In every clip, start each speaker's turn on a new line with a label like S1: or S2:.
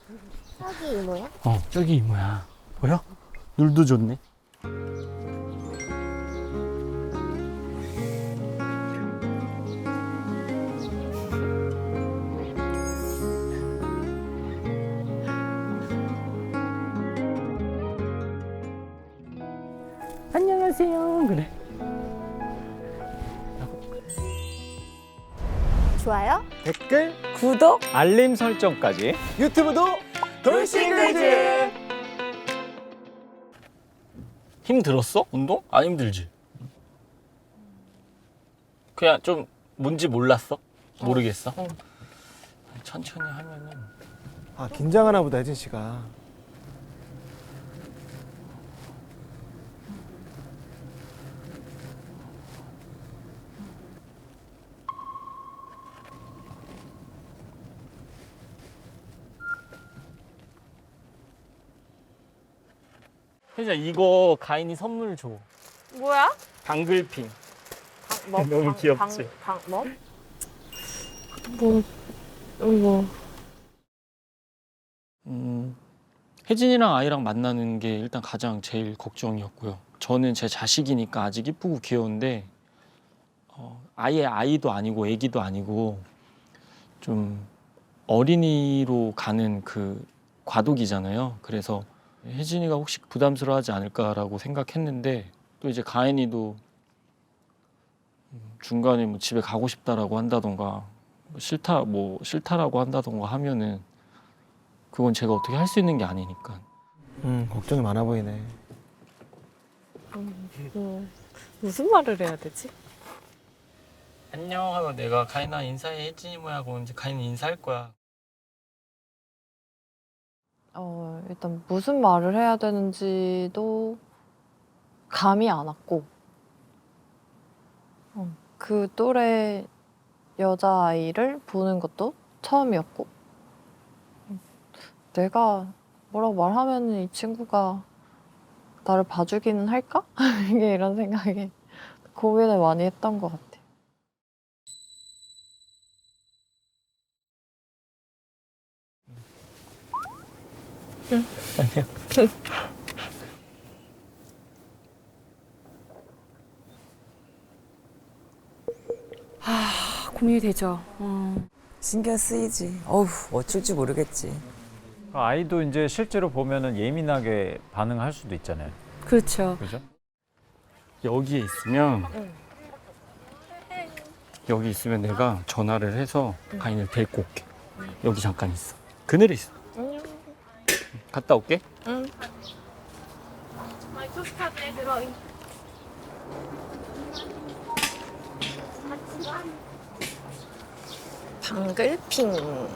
S1: 저기 이모야?
S2: 저기 이모야. 보여? 눈도 좋네. 안녕하세요. 그래.
S1: 좋아요?
S3: 댓글,
S4: 구독?
S3: 알림 설정까지 유튜브도 돌싱글즈.
S2: 힘들었어? 운동? 안 힘들지? 그냥 좀 뭔지 몰랐어? 모르겠어? 천천히 하면은.
S3: 아, 긴장하나 보다, 혜진 씨가.
S2: 혜진아, 이거 가인이 선물 줘.
S4: 뭐야?
S2: 방글핑. 너무 귀엽지?
S4: 뭐?
S2: 혜진이랑 아이랑 만나는 게 일단 가장 제일 걱정이었고요. 저는 제 자식이니까 아직 이쁘고 귀여운데 아예 아이도 아니고 애기도 아니고 좀 어린이로 가는 그 과도기잖아요. 그래서 혜진이가 혹시 부담스러워하지 않을까라고 생각했는데 또 이제 가인이도 중간에 뭐 집에 가고 싶다라고 한다던가 싫다라고 한다던가 하면은 그건 제가 어떻게 할 수 있는 게 아니니까.
S3: 걱정이 많아 보이네.
S4: 무슨 말을 해야 되지?
S2: 안녕 하고 내가 가인아 인사해 혜진이 뭐야 하고 이제 가인이 인사할 거야.
S5: 일단 무슨 말을 해야 되는지도 감이 안 왔고, 그 또래 여자아이를 보는 것도 처음이었고, 내가 뭐라고 말하면 이 친구가 나를 봐주기는 할까? 이게 이런 생각에 고민을 많이 했던 것 같아.
S4: 고민이 되죠.
S6: 신경 쓰이지. 어우, 어쩔지 모르겠지.
S7: 아이도 이제 실제로 보면은 예민하게 반응할 수도 있잖아요.
S4: 그렇죠.
S7: 그죠?
S2: 여기에 있으면 여기 있으면 내가 전화를 해서 가인을 데리고 올게. 여기 잠깐 있어. 그늘에 있어. 갔다 올게.
S5: 방글핑.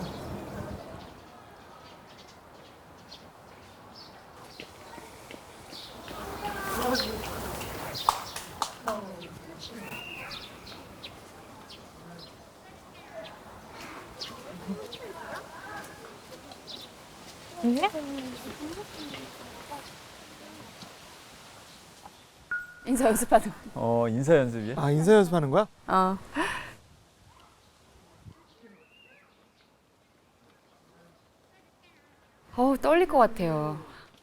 S4: 인사 연습하는
S7: 인사 연습이야?
S3: 아, 인사 연습하는 거야?
S4: 거. 떨릴 것 같아요.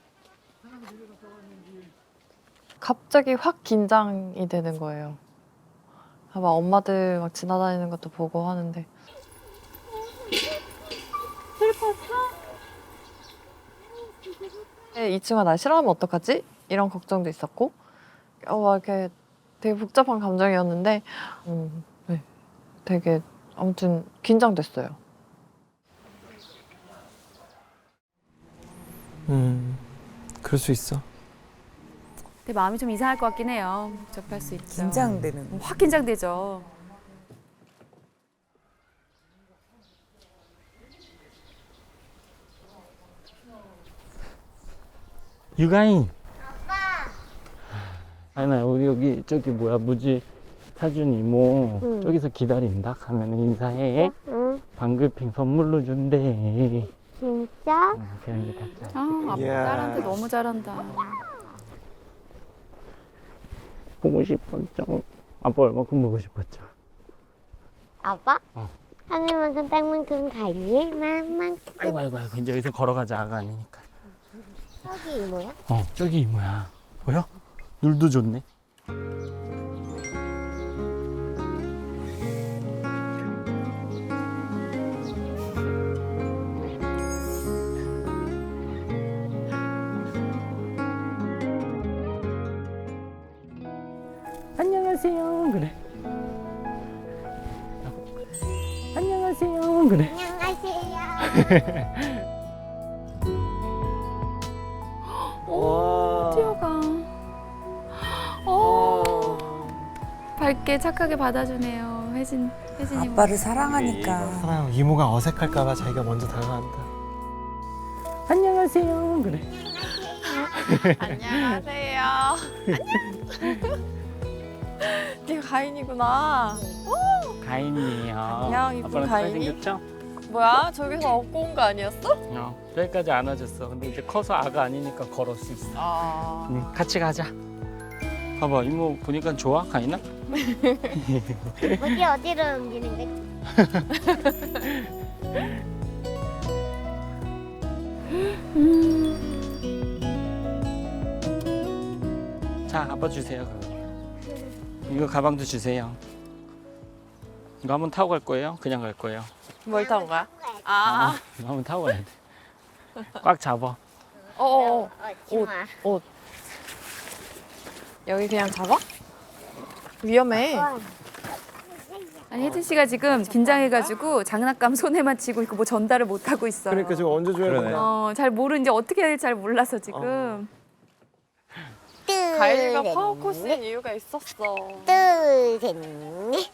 S5: 갑자기 확 긴장이 되는 거예요. 아마 엄마들 막 지나다니는 것도 보고 하는데. 슬펐어? 이 친구가 날 싫어하면 어떡하지? 이런 걱정도 있었고, 막 이렇게 되게 복잡한 감정이었는데, 네, 되게 아무튼 긴장됐어요.
S3: 그럴 수 있어.
S4: 근데 마음이 좀 이상할 것 같긴 해요. 복잡할 수 있죠.
S6: 긴장되는.
S4: 확 긴장되죠.
S2: 유가인. 가인아 우리 여기 저기 뭐야 무지 사준 이모 저기서 기다린다. 가면 인사해. 방글핑 선물로 준대.
S1: 진짜?
S2: 그냥 다
S4: 아빠
S3: 이야.
S4: 딸한테 너무 잘한다.
S2: 보고 싶었죠. 아빠 얼마큼 보고 싶었죠.
S1: 아빠? 하늘만큼 땅만큼 가니 만만큼.
S2: 아이고 이제 여기서 걸어가자. 아가 아니니까.
S1: 저기 이모야?
S2: 저기 이모야. 보여? 눈도 좋네. 안녕하세요. 그래. 안녕하세요. 그래.
S1: 안녕하세요.
S4: 오, 뛰어가. 밝게 착하게 받아주네요. 혜진이.
S6: 아빠를 사랑하니까.
S3: 사랑 이모가 어색할까봐 자기가 먼저 다가간다.
S2: 안녕하세요. 그래.
S5: 안녕하세요. 네가 가인이구나.
S2: 가인이에요.
S5: 안녕, 이쁜
S2: 아빠랑
S5: 가인이.
S2: 생겼죠?
S5: 뭐야? 저기서 업고 온 거 아니었어?
S2: 여기까지 안아줬어. 근데 이제 커서 아가 아니니까 걸을 수 있어.
S5: 아.
S2: 같이 가자. 봐봐, 이모 보니까 좋아, 가인아?
S1: 어디로 옮기는 거지?
S2: 자, 아빠 주세요. 이거 가방도 주세요. 이거 한번 타고 갈 거예요? 그냥 갈 거예요?
S5: 뭘 타고 가? 아.
S2: 이거 한번 타고 가야 돼. 꽉 잡아.
S5: 어어.
S1: 옷.
S5: 옷. 여기 그냥 잡아? 위험해.
S4: 아니 혜진 씨가 지금 긴장해가지고 장난감 손에만 쥐고 있고 뭐 전달을 못 하고 있어요.
S3: 그러니까 지금 언제 줘야
S7: 그러네.
S3: 되나?
S4: 잘 모르는지 어떻게 해야 될지 잘 몰라서 지금.
S5: 가인이가 파워코스인 이유가 있었어.
S1: 둘, 셋, 넷.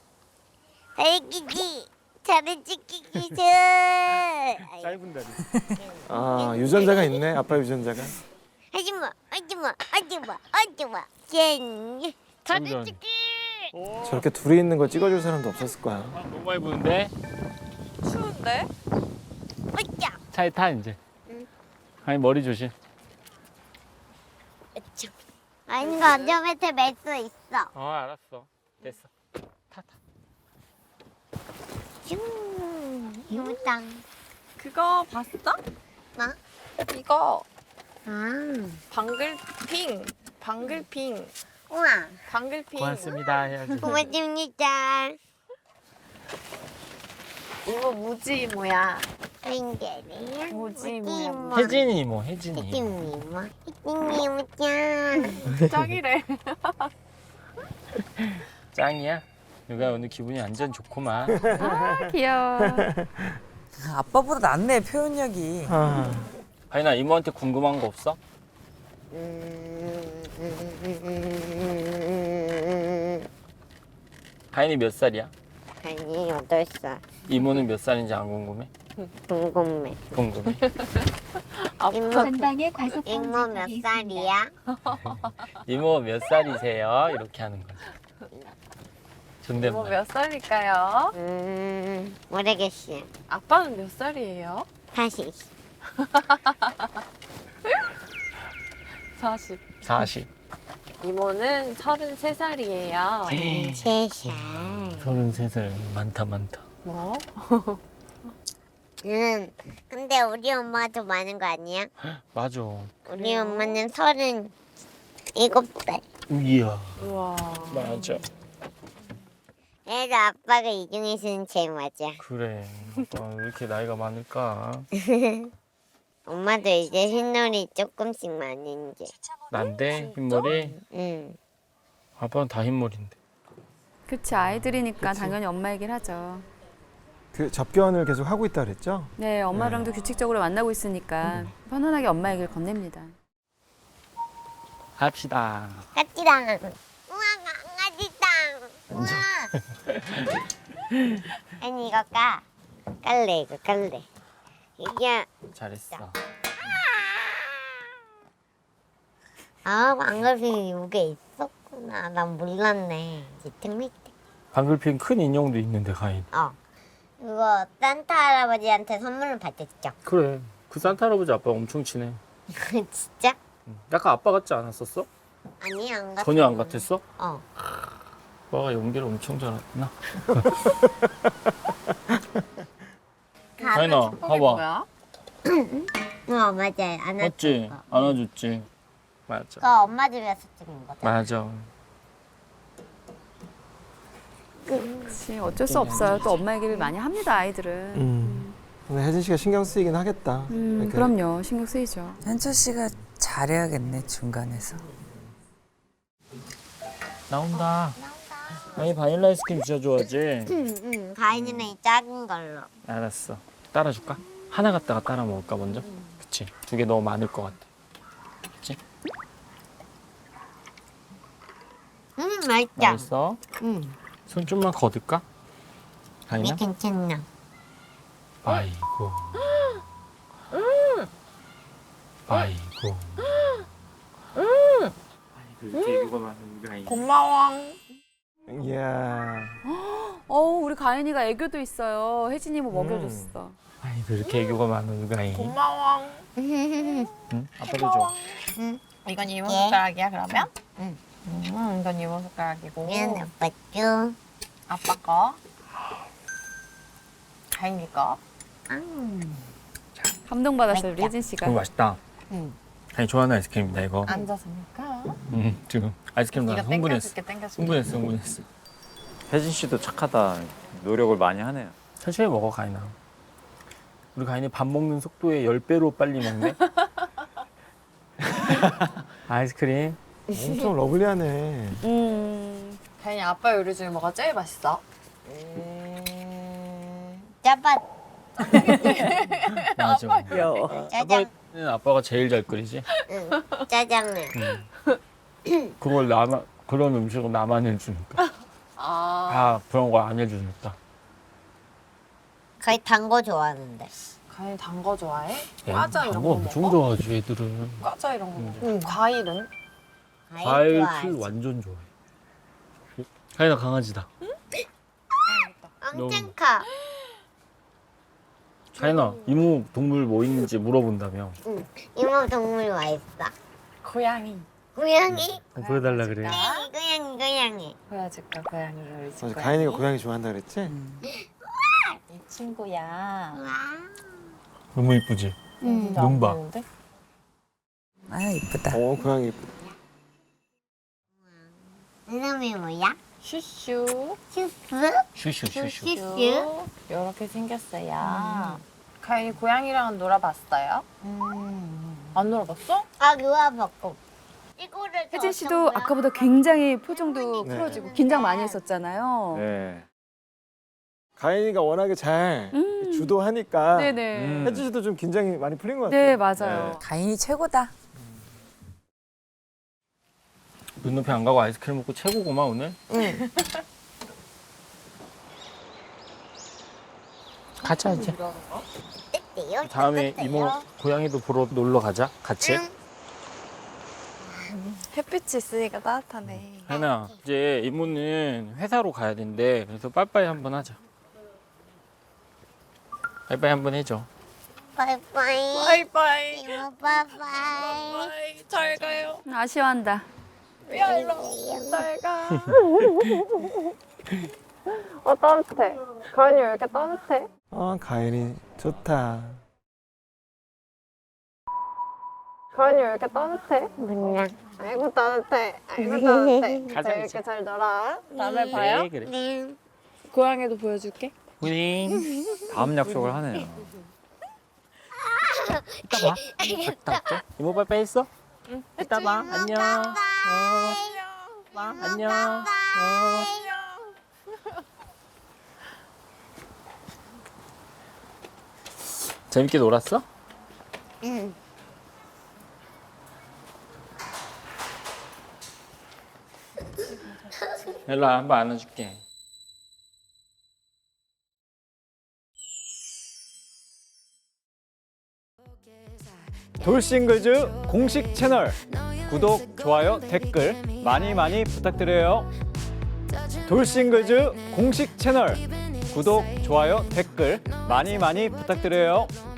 S1: 알기기. 잘은 찍기기 전.
S2: 짧은 다리.
S3: 아 유전자가 있네. 아빠 유전자가.
S1: 하지마. 짠. 잘은
S2: 완전.
S1: 찍기.
S3: 저렇게 둘이 있는 거 찍어줄 사람도 없었을 거야.
S2: 너무 많이 부는데?
S5: 추운데?
S1: 어짜.
S2: 차에 타, 이제. 가인 머리 조심.
S1: 아니 이거 안전벨트 맬 수 있어.
S2: 알았어. 됐어. 타.
S1: 슝. 이모짱.
S5: 그거 봤어?
S1: 뭐?
S5: 이거
S1: 아.
S5: 방글핑.
S1: 우와.
S5: 방글핑.
S2: 고맙습니다. 해야지.
S1: 고맙습니다.
S5: 이거 무지 이모야.
S1: 땡겨래요.
S5: 뭐지, 뭐야.
S2: 혜진이 이모, 혜진이.
S1: 혜진이 이모짱.
S5: 짱이래.
S2: 짱이야? 누가 오늘 기분이 완전 좋구만.
S4: 귀여워.
S6: 아빠보다 낫네 표현력이.
S3: 아,
S2: 가인아, 이모한테 궁금한 거 없어? 가인이 몇 살이야?
S1: 아니 8살.
S2: 이모는 몇 살인지 안 궁금해?
S1: 궁금해.
S2: 궁금해.
S1: 이모
S8: 전방에 과속
S1: 이모 몇 살이야?
S2: 이모 몇 살이세요? 이렇게 하는 거지.
S5: 이모
S2: 존댓말.
S5: 몇 살일까요?
S1: 모르겠어요.
S5: 아빠는 몇 살이에요?
S1: 다시.
S5: 40.
S2: 40.
S5: 이모는 33살이에요.
S1: 3살.
S2: 33살. 많다.
S5: 뭐?
S1: 근데 우리 엄마가 더 많은 거 아니야?
S2: 맞아.
S1: 우리 엄마는 37살.
S2: 이야.
S5: 우와.
S2: 맞아.
S1: 그래서 아빠가 이 중에서는 제일 맞아.
S2: 그래. 왜 이렇게 나이가 많을까?
S1: 엄마도 이제 흰놀이 조금씩 많은 게.
S2: 난데 흰머리?
S1: 응.
S2: 아빠는 다 흰머리인데.
S4: 그치 아이들이니까 당연히 엄마 얘기를 하죠.
S3: 그 접견을 계속 하고 있다 그랬죠?
S4: 네 엄마랑도 규칙적으로 만나고 있으니까 편안하게 엄마 얘기를 건넵니다.
S2: 합시다.
S1: 까띠랑. 우와 강아지당. 우와. 아니 이거 깔래 이거 깔래. 이게
S2: 잘했어.
S1: 방글핑 이게 있었구나. 난 몰랐네. 지특미 때.
S2: 방글핀 큰 인형도 있는데 가인.
S1: 그거 산타 할아버지한테 선물을 받았죠.
S2: 그래. 그 산타 할아버지 아빠 엄청 친해.
S1: 진짜?
S2: 약간 아빠 같지 않았었어?
S1: 아니 안 같아.
S2: 전혀 안 같았어?
S1: 어.
S2: 아빠가 연기를 엄청 잘했구나. 가인아, 봐봐.
S5: 뭐야?
S1: 맞아요. 안
S2: 맞지? 안아줬지. 맞아.
S1: 그거 엄마 집에서 찍은 거죠.
S2: 맞아.
S4: 그렇지. 어쩔 수 없어요. 또 엄마 얘기를 많이 합니다, 아이들은.
S3: 근데 혜진 씨가 신경 쓰이긴 하겠다. 이렇게.
S4: 그럼요. 신경 쓰이죠.
S6: 현철 씨가 잘해야겠네 중간에서.
S2: 나온다. 아니 바닐라 아이스크림 진짜 좋아하지?
S1: 가인이는 이 작은 걸로.
S2: 알았어. 따라줄까? 하나 갖다가 따라 먹을까 먼저? 그치. 2개 너무 많을 것 같아. 그치?
S1: 맛있죠?
S2: 맛있어? 손 좀만 거둘까?
S1: 이게
S2: 가인아?
S1: 괜찮나?
S2: 아이고. 아이고. 아이고 이렇게 이거 많은 우리 아이.
S5: 고마워.
S3: 이야.
S4: 우리 가인이가 애교도 있어요. 혜진이 뭐 먹여줬어.
S2: 아이고 이렇게 애교가 많은 우리 아이.
S5: 고마워.
S2: 응? 아빠도 줘.
S5: 이건 이모
S1: 예.
S5: 숟가락이야 그러면?
S1: 응.
S5: 이건 이모 숟가락이고.
S1: 얘는 아빠 줘.
S5: 아빠 거. 가인이 거.
S4: 감동받았어요, 우리
S1: 맛있다.
S4: 혜진 씨가.
S2: 이거 맛있다.
S1: 응.
S2: 아니 좋아하는 아이스크림이다 이거.
S5: 앉아서니까.
S2: 지금 아이스크림 나 흥분했어.
S5: 땡겨줄게.
S2: 흥분했어.
S7: 혜진 씨도 착하다. 노력을 많이 하네요.
S2: 천천히 먹어 가인아. 우리 가인이 밥 먹는 속도의 10배로 빨리 먹네. 아이스크림.
S3: 엄청 러블리하네.
S5: 가인이 아빠 요리 중에 뭐가 제일 맛있어?
S1: 짜파
S2: 맞아.
S6: 귀여워.
S1: 짜장.
S2: 아빠는 아빠가 제일 잘 끓이지.
S1: 응. 짜장면.
S2: 그걸 그런 음식을 나만 해주니까. 다 그런 거 안 해주니까.
S1: 거의 단 거 좋아하는데.
S5: 가인이 단 거 좋아해?
S2: 야,
S5: 과자 이런
S2: 단거
S5: 거
S2: 엄청
S5: 먹어?
S2: 좋아하지 애들은.
S5: 과자 이런 거 먹어. 과일은?
S2: 과일
S1: 좋아하지.
S2: 풀 완전 좋아해. 가인아 강아지다.
S1: 엄청 커.
S2: 가인아 이모 동물 뭐 있는지 물어본다며.
S1: 응. 이모 동물 와 있어.
S5: 고양이.
S1: 고양이?
S2: 보여달라 그래.
S1: 고양이.
S5: 보여줄까? 고양이가 우리 집
S3: 맞아,
S5: 고양이.
S3: 가인이가 고양이 좋아한다 그랬지?
S5: 이 친구야.
S1: 와.
S2: 너무 이쁘지? 눈 봐.
S6: 아 이쁘다.
S3: 고양이 이쁘다.
S1: 이름이 뭐야?
S5: 슈슈.
S1: 슈스?
S2: 슈슈.
S1: 슈슈?
S5: 이렇게 생겼어요. 가인이 고양이랑은 놀아봤어요? 안 놀아봤어?
S1: 아, 누워봤고. 이거를
S4: 혜진 씨도 아까보다 굉장히 표정도
S3: 네.
S4: 풀어지고 긴장 많이 했었잖아요.
S7: 네.
S3: 가인이가 워낙에 잘 주도하니까
S4: 네네.
S3: 혜진 씨도 좀 긴장이 많이 풀린 것 같아요.
S4: 네, 맞아요.
S6: 가인이 최고다.
S2: 눈높이 안 가고 아이스크림 먹고 최고구만 오늘.
S1: 응.
S2: 가자 이제.
S1: 뜯대요?
S2: 다음에
S1: 뜯대요?
S2: 이모 고양이도 보러 놀러 가자. 같이.
S1: 응.
S5: 햇빛이 있으니까 따뜻하네.
S2: 하나 이제 이모는 회사로 가야 된대. 그래서 빠이빠이 한번 하자. 빠이빠이 한번 해줘.
S1: 바이바이.
S5: 바이바이.
S1: 이모 바이바이.
S5: 잘 가요.
S4: 아쉬워한다.
S5: 야 일로 잘 가. 따뜻해. 가인이 왜 이렇게 따뜻해?
S3: 아, 가인이 좋다.
S5: 가인이 왜 이렇게 따뜻해?
S1: 몰라.
S5: 아이고 따뜻해. 아이고 따뜻해.
S2: 가자,
S5: 자, 이렇게
S2: 이제.
S5: 잘 놀아. 다음에 봐요.
S2: 네, 그래.
S1: 네.
S5: 고양이도 보여줄게.
S2: 우리
S7: 다음 약속을 하네요.
S2: 이따 봐. 갔다 올게. 이모 빠이빠이 했어? 응. 이따 봐. 안녕. 안녕. 재밌게 놀았어?
S1: 응.
S2: 일로 와, 한번 안아줄게.
S7: 돌싱글즈 공식 채널 구독, 좋아요, 댓글 많이 부탁드려요. 돌싱글즈 공식 채널 구독, 좋아요, 댓글 많이 부탁드려요.